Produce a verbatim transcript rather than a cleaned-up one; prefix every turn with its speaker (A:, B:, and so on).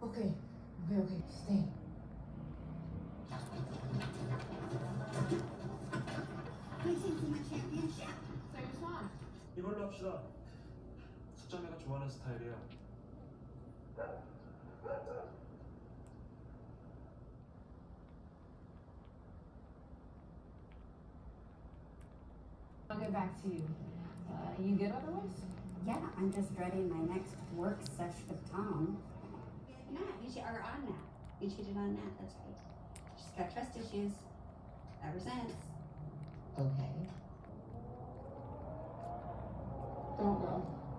A: Okay, okay, okay, stay.
B: 이걸로 합시다. 숙자매가 좋아하는 스타일이야.
A: I'll get back to you. Uh, you good otherwise?
C: Yeah, I'm just dreading my next work sesh with Tom. Nat, you che- or on Nat. You cheated on Nat, that's right. She's got trust issues. Ever since.
A: Okay. Don't go.